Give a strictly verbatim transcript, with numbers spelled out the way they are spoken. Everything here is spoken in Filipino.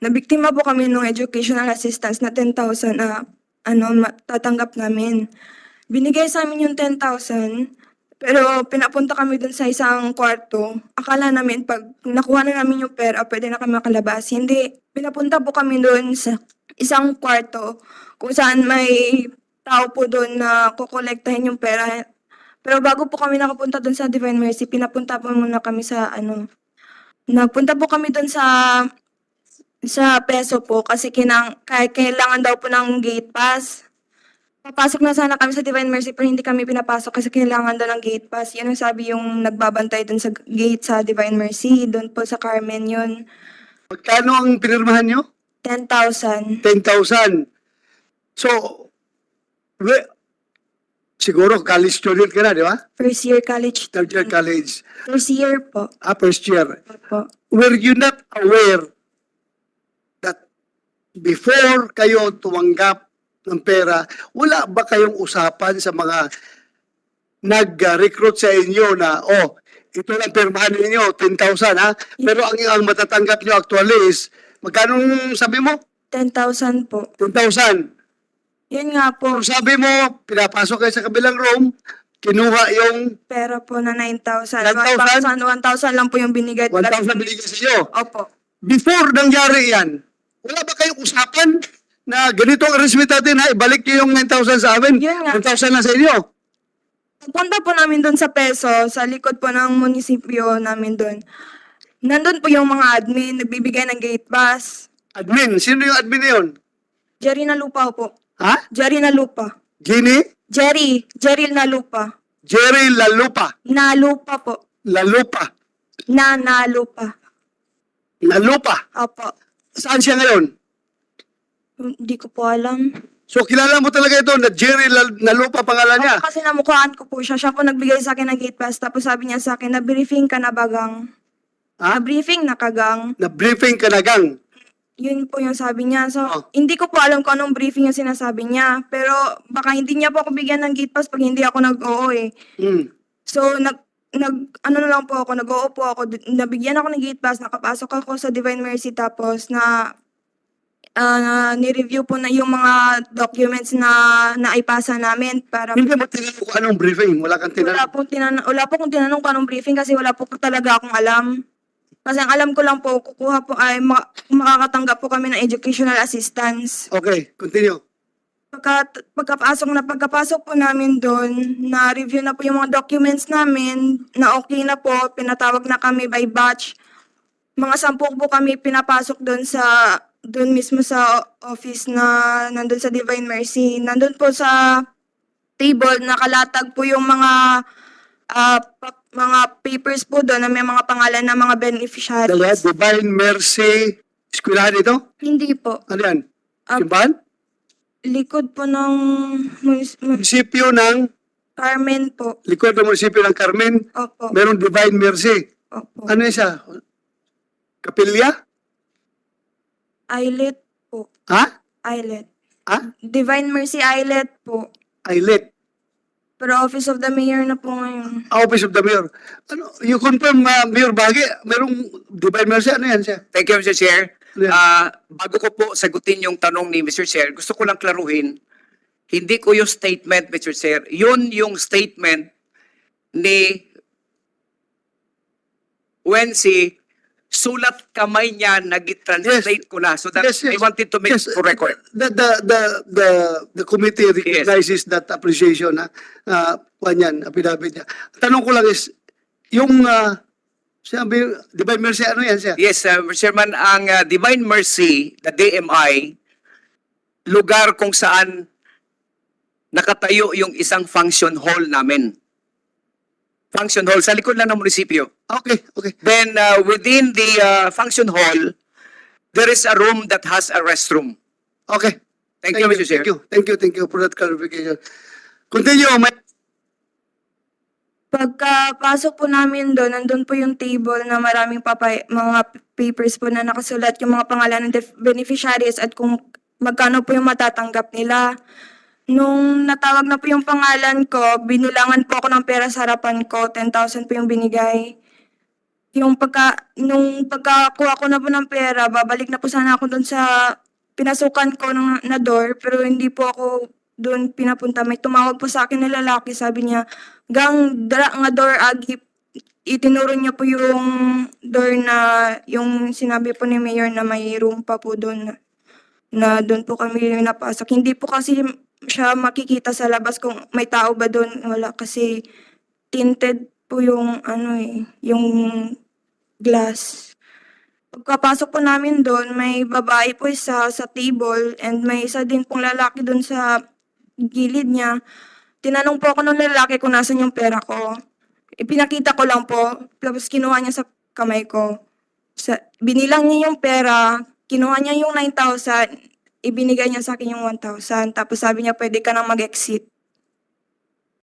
Nabiktima po kami ng educational assistance na ten thousand na ano, ma- tatanggap namin. Binigay sa amin yung ten thousand, pero pinapunta kami dun sa isang kwarto. Akala namin pag nakuha na namin yung pera, pwede na kami makalabas. Hindi. Pinapunta po kami dun sa isang kwarto kung saan may tao po dun na kukolektahin yung pera. Pero bago po kami nakapunta dun sa Divine Mercy, pinapunta po muna kami sa ano, nagpunta po kami dun sa sa peso po kasi kinang, kaya kailangan daw po ng gate pass. Papasok na sana kami sa Divine Mercy pero hindi kami pinapasok kasi kailangan daw ng gate pass. Yun ang sabi yung nagbabantay dun sa gate sa Divine Mercy. Doon po sa Carmen yun. Magkano ang pinirmahan nyo? ten thousand. ten thousand. So, we, siguro college student ka na, di ba? First year college. Third year college. First year po. Ah, first year. po. Were you not aware that before kayo tumanggap ng pera, wala ba kayong usapan sa mga nag-recruit sa inyo na, oh, ito lang pirmahan ninyo, ten thousand ha? Pero ang, ang matatanggap nyo actually is, magkano sabi mo? ten thousand po. ten thousand. Yun nga po. Kung sabi mo, pinapasok kayo sa kabilang room, kinuha yung Pera po na nine thousand. nine thousand? one thousand lang po yung binigay. one thousand binigay sa inyo. Opo. Before nangyari yan, wala ba kayong usapan na ganito ang arrangement natin ha, ibalik niyo yung nine thousand sa amin, Yun nga. one thousand na sa inyo. Punta po namin doon sa Peso, sa likod po ng munisipyo namin doon. Nandun po yung mga admin, nagbibigay ng gate pass. Admin, sino yung admin na yun? Jerry na lupa po. Ha? Jerry na lupa. Ginny? Jerry, Jerry na lupa. Jerry Lalupa. Na lupa po. Lalupa. Na na lupa. Lalupa. Opo. Saan siya ngayon? Hindi ko po alam. So kilala mo talaga ito na Jerry Lal- Lalupa pangalan niya? Opo, kasi namukhaan ko po siya. Siya po nagbigay sa akin ng gate pass. Tapos sabi niya sa akin, na-briefing ka na bagang. Ha? Na-briefing na kagang. Na-briefing ka na gang. Yun po yung sabi niya. So, Oh. hindi ko po alam kung anong briefing yung sinasabi niya. Pero baka hindi niya po ako bigyan ng gate pass pag hindi ako nag-oo eh. Hmm. So, nag, nag, ano na lang po ako, nag-oo po ako. D- Nabigyan ako ng gate pass, nakapasok ako sa Divine Mercy tapos na ah, ni-review po na yung mga documents na naipasa namin para Hindi mo tinanong kung anong briefing. Wala kang wala tinanong. po tinanong, wala po kung tinanong kung anong briefing kasi wala po talaga akong alam. Kasi ang alam ko lang po, kukuha po ay ma- makakatanggap po kami ng educational assistance. Okay, continue. Pagka, pagkapasok na pagkapasok po namin doon, na-review na po yung mga documents namin, na okay na po, pinatawag na kami by batch. Mga sampu po kami pinapasok doon sa, doon mismo sa office na nandun sa Divine Mercy. Nandun po sa table, nakalatag po yung mga ah, pa- mga papers po doon na may mga pangalan ng mga Dalawa, beneficiaries. Divine Mercy. Eskwelahan ito? Hindi po. Ano yan? Ah, Simbahan? likod po ng munis- mun- Munisipyo ng, Carmen po. likod ng munisipyo ng Carmen, Opo. merong Divine Mercy. Opo. Ano yun siya? Kapilya? Islet po. Ha? Islet. Ha? Divine Mercy Islet po. Islet. Pero Office of the Mayor na po ngayon. Office of the Mayor. Ano, you confirm, uh, Mayor Bagi, merong Divine Mercy, ano yan siya? Thank you, Mister Chair. Yeah. Ah, bago ko po sagutin yung tanong ni Mister Chair, gusto ko lang klaruhin, hindi ko yung statement, Mister Chair, yun yung statement ni Wensi, sulat kamay niya, nag-translate ko na. So that Yes, yes. I wanted to make Yes, for record. The, the, the, the, the committee recognizes that appreciation, ha? Uh, yan, affidavit niya. Tanong ko lang is, yung, uh, sabi, Divine Mercy, ano yan siya? Yes, uh, Mister Chairman, ang uh, Divine Mercy, the D M I, lugar kung saan nakatayo yung isang function hall namin. Function hall, sa likod lang ng munisipyo. Okay, okay. Then uh, within the uh, function hall, there is a room that has a restroom. Okay. Thank, you, Mister Chair. Thank you, thank you, thank you for that clarification. Continue, may... Pagkapasok po namin doon, nandun po yung table na maraming papay, mga papers po na nakasulat yung mga pangalan ng def- beneficiaries at kung magkano po yung matatanggap nila. Nung natawag na po yung pangalan ko, binulangan po ako ng pera sa harapan ko, ten thousand po yung binigay. yung pagka, nung pagkakuha ko na po ng pera, babalik na po sana ako doon sa pinasukan ko ng, na door, pero hindi po ako doon pinapunta. May tumawag po sa akin na lalaki, sabi niya, gang dara nga door agi, itinuro niya po yung door na, yung sinabi po ni Mayor na may room pa po doon, na doon po kami napasok. Hindi po kasi siya makikita sa labas kung may tao ba doon, wala kasi tinted po yung ano eh, yung glass. Pagkapasok po namin doon, may babae po isa sa table and may isa din pong lalaki doon sa gilid niya. Tinanong po ako ng lalaki kung nasan yung pera ko. Ipinakita ko lang po, tapos kinuha niya sa kamay ko. Sa, binilang niya yung pera, kinuha niya yung nine thousand, ibinigay niya sa akin yung one thousand. Tapos sabi niya, pwede ka nang mag-exit.